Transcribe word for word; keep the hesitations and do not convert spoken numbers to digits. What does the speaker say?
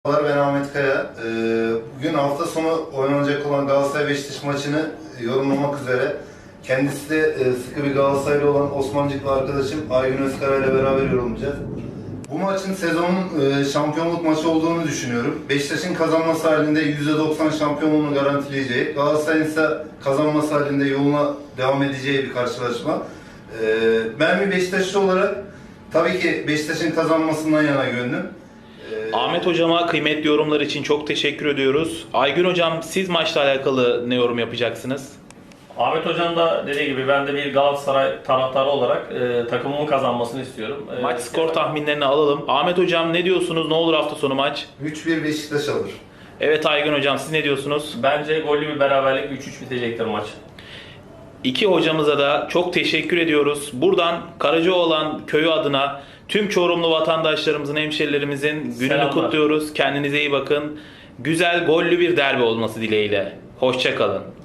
Merhabalar, ben Ahmet Kaya. Ee, Bugün hafta sonu oynanacak olan Galatasaray-Beşiktaş maçını yorumlamak üzere kendisi de e, sıkı bir Galatasaraylı olan Osmancıklı arkadaşım Aygün Özkara ile beraber yorumlayacağız. Bu maçın sezonun e, şampiyonluk maçı olduğunu düşünüyorum. Beşiktaş'ın kazanması halinde yüzde doksan şampiyonluğunu garantileyeceği, Galatasaray'ın ise kazanması halinde yoluna devam edeceği bir karşılaşma. Ee, Ben bir Beşiktaşlı olarak tabii ki Beşiktaş'ın kazanmasından yana gönlüm. Ahmet Hocama kıymetli yorumlar için çok teşekkür ediyoruz. Aygün Hocam, siz maçla alakalı ne yorum yapacaksınız? Ahmet Hocam da dediği gibi ben de bir Galatasaray taraftarı olarak e, takımımın kazanmasını istiyorum. E, Maç skor tahminlerini alalım. Ahmet Hocam, ne diyorsunuz? Ne olur hafta sonu maç? üç bir Beşiktaş alır. Evet Aygün Hocam, siz ne diyorsunuz? Bence gollü bir beraberlik üç üç bitecektir maç. İki hocamıza da çok teşekkür ediyoruz. Buradan Karacaoğlan köyü adına tüm Çorumlu vatandaşlarımızın, hemşerilerimizin gününü Selamlar. kutluyoruz. Kendinize iyi bakın. Güzel, gollü bir derbi olması dileğiyle. Hoşça kalın.